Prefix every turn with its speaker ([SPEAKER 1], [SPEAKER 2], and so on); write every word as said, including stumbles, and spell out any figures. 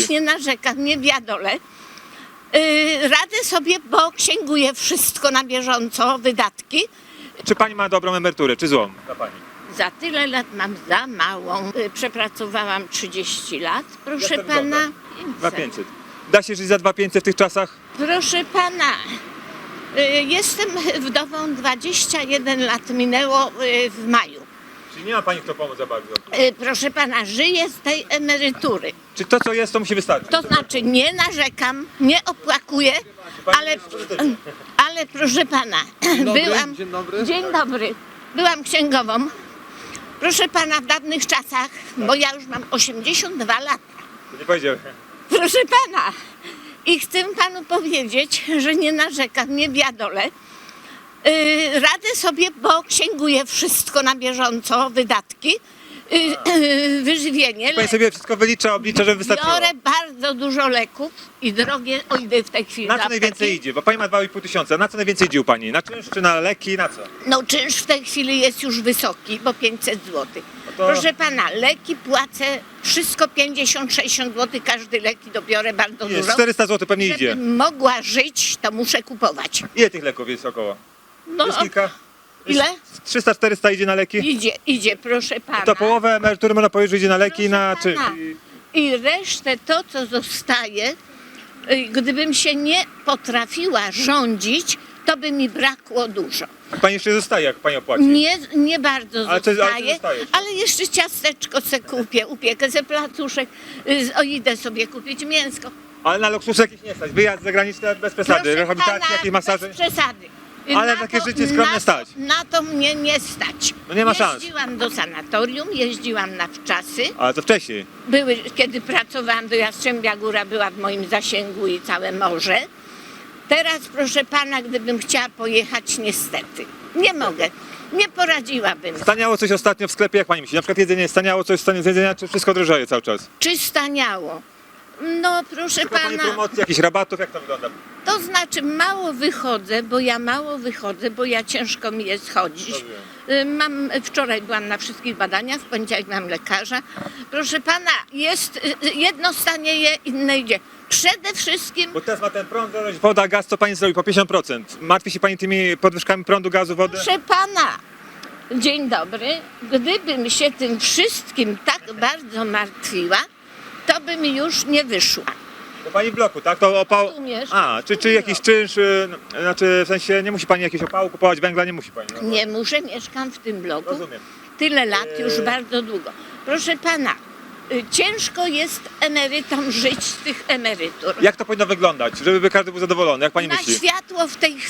[SPEAKER 1] też nie narzekam, nie wiadolę. Yy, radzę sobie, bo księguję wszystko na bieżąco, wydatki.
[SPEAKER 2] Czy pani ma dobrą emeryturę, czy złą? Dla pani.
[SPEAKER 1] Za tyle lat mam za małą. Yy, przepracowałam trzydzieści lat, proszę
[SPEAKER 2] Jak to
[SPEAKER 1] pana.
[SPEAKER 2] dwa pięćset. Da się żyć za dwa pięćset w tych czasach?
[SPEAKER 1] Proszę pana, yy, jestem wdową, dwadzieścia jeden lat minęło yy, w maju.
[SPEAKER 2] Czyli nie ma pani kto pomóc za bardzo.
[SPEAKER 1] Yy, proszę pana, żyję z tej emerytury.
[SPEAKER 2] Czy to co jest, to musi wystarczyć?
[SPEAKER 1] To znaczy nie narzekam, nie opłakuję, ale, ale proszę pana,
[SPEAKER 3] dobry,
[SPEAKER 1] byłam,
[SPEAKER 3] dzień dobry.
[SPEAKER 1] dzień dobry, byłam księgową. Proszę pana, w dawnych czasach, bo ja już mam osiemdziesiąt dwa lata,
[SPEAKER 2] To nie powiedziałem.
[SPEAKER 1] proszę pana, i chcę panu powiedzieć, że nie narzekam, nie wiadolę. Yy, radzę sobie, bo księguję wszystko na bieżąco, wydatki, yy, yy, wyżywienie.
[SPEAKER 2] Pani sobie wszystko wylicza, oblicza, żeby wystarczyło.
[SPEAKER 1] Biorę bardzo dużo leków i drogie, o idę w tej chwili
[SPEAKER 2] Na
[SPEAKER 1] do
[SPEAKER 2] co najwięcej
[SPEAKER 1] apteki.
[SPEAKER 2] idzie? Bo pani ma dwa i pół tysiąca. Na co najwięcej idzie u pani? Na czynsz czy na leki? Na co?
[SPEAKER 1] No czynsz w tej chwili jest już wysoki, bo pięćset złotych.
[SPEAKER 2] No to-
[SPEAKER 1] Proszę pana, leki płacę wszystko pięćdziesiąt sześćdziesiąt złotych, każdy leki dobiorę bardzo
[SPEAKER 2] Jest,
[SPEAKER 1] dużo.
[SPEAKER 2] czterysta złotych pewnie idzie.
[SPEAKER 1] Żebym mogła żyć, to muszę kupować.
[SPEAKER 2] Ile tych leków jest około?
[SPEAKER 1] No
[SPEAKER 2] Jest kilka?
[SPEAKER 1] ile?
[SPEAKER 2] trzysta czterysta idzie na leki?
[SPEAKER 1] Idzie, idzie, proszę pana.
[SPEAKER 2] To połowę emerytury można powiedzieć, że idzie na leki
[SPEAKER 1] Proszę
[SPEAKER 2] na czym?
[SPEAKER 1] pana. I resztę, to co zostaje, y, gdybym się nie potrafiła rządzić, to by mi brakło dużo.
[SPEAKER 2] Pani jeszcze zostaje, jak pani opłaci.
[SPEAKER 1] Nie, nie bardzo
[SPEAKER 2] Ale co- ale co
[SPEAKER 1] zostaje,
[SPEAKER 2] zostaje jeszcze?
[SPEAKER 1] ale jeszcze ciasteczko se kupię, upiekę ze placuszek, y, o, idę sobie kupić mięsko.
[SPEAKER 2] Ale na luksus jakiś nie stać. Wyjazd zagraniczny bez przesady.
[SPEAKER 1] Proszę
[SPEAKER 2] Rehabilitacja,
[SPEAKER 1] pana,
[SPEAKER 2] jakieś masaże.
[SPEAKER 1] bez przesady.
[SPEAKER 2] Ale
[SPEAKER 1] Na
[SPEAKER 2] takie
[SPEAKER 1] to-
[SPEAKER 2] życie skromne
[SPEAKER 1] na
[SPEAKER 2] stać.
[SPEAKER 1] To, na to mnie nie stać.
[SPEAKER 2] No nie ma szans.
[SPEAKER 1] Jeździłam do sanatorium, jeździłam na wczasy.
[SPEAKER 2] Ale to wcześniej.
[SPEAKER 1] Były, kiedy pracowałam, do Jastrzębia Góra była w moim zasięgu i całe morze. Teraz, proszę pana, gdybym chciała pojechać, niestety, nie mogę. Nie poradziłabym.
[SPEAKER 2] Staniało coś ostatnio w sklepie, jak pani myśli? Na przykład jedzenie, staniało coś stanie z jedzenia, czy wszystko drożeje cały czas?
[SPEAKER 1] Czy staniało? No, proszę
[SPEAKER 2] Szuka pani
[SPEAKER 1] pana,
[SPEAKER 2] promocji, jakichś rabatów, jak to wygląda?
[SPEAKER 1] to znaczy mało wychodzę, bo ja mało wychodzę, bo ja ciężko mi jest chodzić. Y, Mam, wczoraj byłam na wszystkich badaniach, w poniedziałek mam lekarza. Proszę pana, jest y, y, jedno stanieje, inne idzie. Przede wszystkim,
[SPEAKER 2] Bo teraz ma ten prąd, woda, gaz, co pani zrobi po pięćdziesiąt procent. Martwi się pani tymi podwyżkami prądu, gazu, wody?
[SPEAKER 1] proszę pana, dzień dobry, gdybym się tym wszystkim tak bardzo martwiła, to bym już nie wyszła.
[SPEAKER 2] To pani w bloku, tak? To opał...
[SPEAKER 1] Rozumiesz?
[SPEAKER 2] A, czy, czy jakiś czynsz, y, no, znaczy w sensie nie musi pani jakiegoś opału kupować, węgla nie musi pani. No,
[SPEAKER 1] Nie muszę, mieszkam w tym bloku.
[SPEAKER 2] Rozumiem.
[SPEAKER 1] Tyle lat, już
[SPEAKER 2] Eee.
[SPEAKER 1] bardzo długo. Proszę pana, y, ciężko jest emerytom żyć z tych emerytur.
[SPEAKER 2] Jak to powinno wyglądać, żeby każdy był zadowolony? Jak pani
[SPEAKER 1] Na
[SPEAKER 2] myśli?
[SPEAKER 1] światło w tej